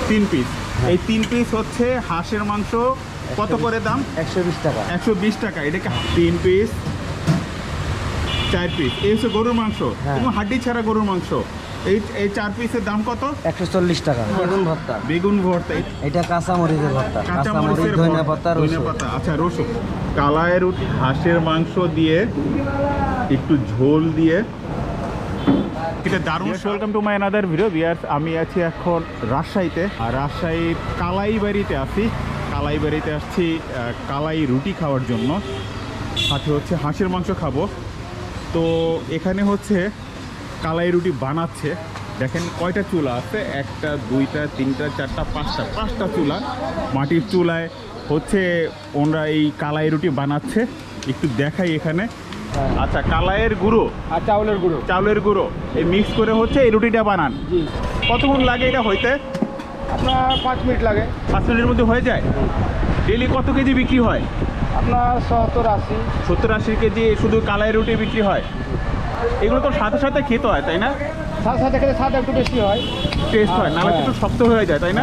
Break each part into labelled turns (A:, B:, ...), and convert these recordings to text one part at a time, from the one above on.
A: 3 piece. এই 3 piece হচ্ছে হাঁসের মাংস। কত করে দাম?
B: 120 টাকা।
A: 120 টাকা। এটাকে 3 পিস 4 পিস। এই হচ্ছে গরুর মাংস এবং হাড্ডি ছাড়া গরুর মাংস। এই 4 পিসের দাম কত?
B: 140 টাকা। বেগুন ভর্তা।
A: বেগুন ভর্তা।
B: এটা কাঁচা মরিচের ভর্তা।
A: কাঁচা মরিচের
B: ধনিয়া পাতা, রসুন।
A: আচ্ছা, রসুন। কালাই রুটি হাঁসের মাংস দিয়ে একটু ঝোল দিয়ে এটা দারুণ। Welcome to my another video viewers. আমি আছি এখন রাজশাহীতে, আর রাজশাহীর কালাইবাড়িতে আছি। কালাইবাড়িতে আসছি কালাই রুটি খাওয়ার জন্য, সাথে হচ্ছে হাঁসের মাংস খাবো। তো এখানে হচ্ছে কালাই রুটি বানাচ্ছে। দেখেন কয়টা চুলা আছে, 1টা 2টা 3টা 4টা 5টা চুলা। মাটির চুলায় হচ্ছে ওনারা এই কালাই রুটি বানাচ্ছে। একটু দেখাই এখানে। আচ্ছা, কালাইয়ের গুঁড়ো
B: আর
A: চাউলের গুঁড়ো এই মিক্স করে হচ্ছে এই রুটিটা বানান। কতক্ষণ লাগে এটা হইতে?
B: আপনার 5 মিনিট লাগে।
A: 5 মিনিটের মধ্যে হয়ে যায়। ডেলি কত কেজি বিক্রি হয়?
B: আপনার 70-80
A: কেজি শুধু কালাই রুটি বিক্রি হয়। এগুলো তো সাথে সাথে খেতে হয়, তাই না?
B: সাথে খেতে স্বাদ একটু বেশি হয়,
A: টেস্ট হয়, নাহলে একটু শক্ত হয়ে যায়, তাই না?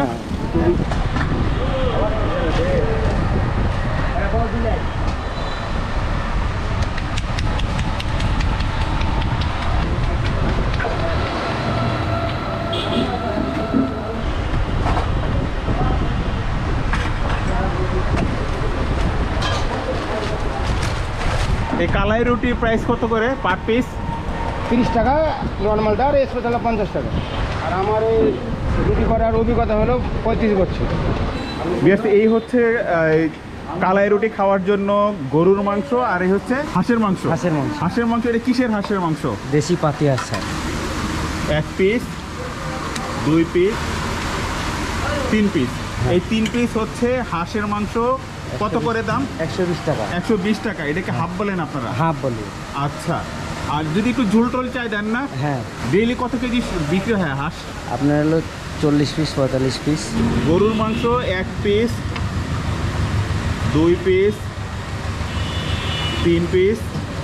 A: এই কালাই রুটি প্রাইস কত করে পার পিস?
B: 30 টাকা নর্মালটা, আর স্পেশাল 50 টাকা। আর আমার এই রুটি করার অভিজ্ঞতা হলো 35 বছর।
A: এই হচ্ছে কালাই রুটি খাওয়ার জন্য গরুর মাংস, আর এই হচ্ছে হাঁসের মাংস। হাঁসের মাংস। এটা কিসের হাঁসের মাংস?
B: দেশি পাতি হাঁস।
A: 1 পিস 2 পিস 3 পিস। এই 3 পিস হচ্ছে হাঁসের মাংস। কত করে দাম?
B: 120 টাকা।
A: 120 টাকা। এটাকে হাফ বলেন আপনারা?
B: হাফ বলি।
A: আচ্ছা, আর যদি একটু ঝোল টোল চাই দেন না?
B: হ্যাঁ।
A: ডেইলি কত কেজি বিক্রি হয় হাঁস?
B: আপনার হলো 40 পিস 45 পিস।
A: গরুর মাংস 1 পিস 2 পিস 3 পিস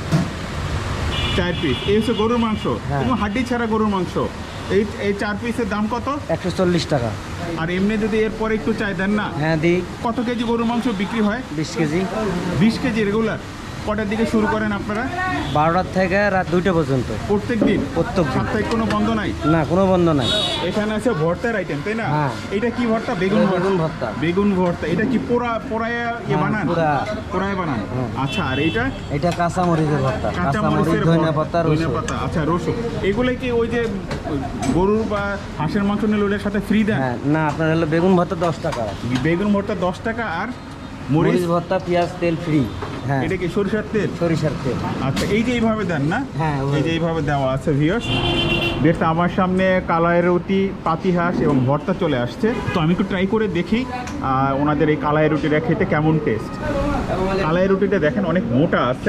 A: 4 পিস। এই হচ্ছে গরুর মাংস এবং হাড্ডি ছাড়া গরুর মাংস। এই 4 পিসের দাম কত?
B: 140 টাকা।
A: আর এমনি যদি এরপরে একটু চাই দেন না?
B: হ্যাঁ দিই।
A: কত কেজি গরুর মাংস বিক্রি হয়?
B: 20 কেজি।
A: 20 KG regular. কটার দিকে শুরু করেন আপনারা?
B: 12টা থেকে রাত 2টা পর্যন্ত।
A: প্রত্যেক দিন? সাপ্তাহিক কোনো বন্ধ নাই?
B: না, কোনো বন্ধ নাই।
A: এখানে আছে ভর্তার আইটেম, তাই না?
B: হ্যাঁ।
A: এটা কি ভর্তা? বেগুন
B: ভর্তা।
A: বেগুন ভর্তা। এটা কি পোড়ায়া বানান? পোড়ায় বানান। আচ্ছা, আর এটা
B: কাঁচা মরিচের ভর্তা।
A: কাঁচা মরিচের
B: ধনিয়া পাতা, রসুন।
A: আচ্ছা, রসুন। এগুলো কি ওই যে গরুর বা হাঁসের মাংস নিলে ওটার সাথে ফ্রি দেন?
B: না, আপনার হলো বেগুন ভর্তা 10 টাকা।
A: বেগুন ভর্তা 10 টাকা, আর
B: মরিচ ভর্তা, পেঁয়াজ, তেল ফ্রি। হ্যাঁ।
A: এটা কি সরিষার তেল?
B: সরিষার তেল।
A: আচ্ছা, এই যে এইভাবে দেন না?
B: হ্যাঁ,
A: এই যে এইভাবে দেওয়া আছে ভিউয়ার্স। দেখতে আমার সামনে কালাই রুটি, পাতি হাঁস এবং ভর্তা চলে আসছে। তো আমি একটু ট্রাই করে দেখি ওনাদের এই কালাই রুটিটা খেতে কেমন টেস্ট। কালাই রুটিটা দেখেন অনেক মোটা আছে।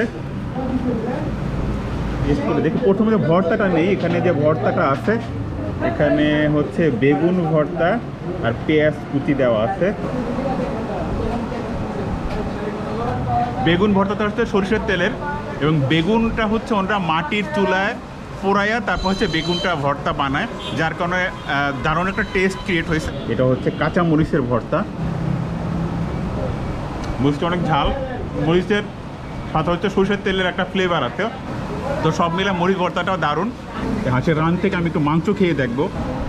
A: টেস্ট করে দেখি। প্রথমে যে ভর্তাটা নেই, এখানে যে ভর্তাটা আছে, এখানে হচ্ছে বেগুন ভর্তা আর পেঁয়াজ কুচি দেওয়া আছে। বেগুন ভর্তাটা হচ্ছে সরিষার তেলের, এবং বেগুনটা হচ্ছে ওরা মাটির চুলায় পোড়াইয়া তারপর হচ্ছে বেগুনটা ভর্তা বানায়, যার কারণে দারুণ একটা টেস্ট ক্রিয়েট হয়েছে। এটা হচ্ছে কাঁচা মরিচের ভর্তা। মরিচটা অনেক ঝাল, মরিচের সাথে হচ্ছে সরিষার তেলের একটা ফ্লেভার আছে। তো সব মিলে মরিচ ভর্তাটাও দারুণ। হাঁসের রান থেকে আমি একটু মাংস খেয়ে দেখবো।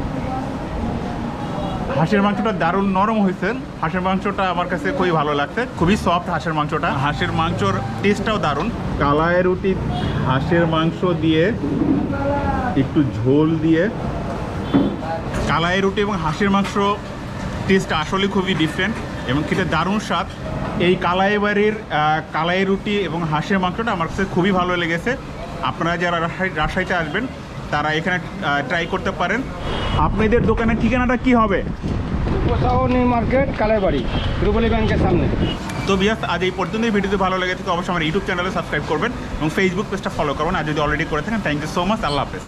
A: হাঁসের মাংসটা দারুণ নরম হয়েছে। হাঁসের মাংসটা আমার কাছে খুবই ভালো লাগছে, খুবই সফট হাঁসের মাংসটা। হাঁসের মাংসর টেস্টটাও দারুণ। কালাই রুটি হাঁসের মাংস দিয়ে একটু ঝোল দিয়ে, কালাই রুটি এবং হাঁসের মাংস টেস্টটা আসলে খুবই ডিফারেন্ট এবং খেতে দারুণ স্বাদ। এই কালাইবাড়ির কালাই রুটি এবং হাঁসের মাংসটা আমার কাছে খুবই ভালো লেগেছে। আপনারা যারা রাজশাহীতে আসবেন তারা এখানে ট্রাই করতে পারেন। আপনাদের দোকানের ঠিকানাটা কি হবে?
B: নিউ মার্কেট, কালাইবাড়ি, রূপালী ব্যাংকের সামনে।
A: তো ভিউয়ার্স, আজ এই পর্যন্ত। ভিডিওটি ভালো লেগে থাকে অবশ্যই আমার ইউটিউব চ্যানেলে সাবস্ক্রাইব করবেন এবং ফেসবুক পেজটা ফলো করবেন, আর যদি অলরেডি করে থাকেন থ্যাংক ইউ সো মাচ। আল্লাহ হাফেজ।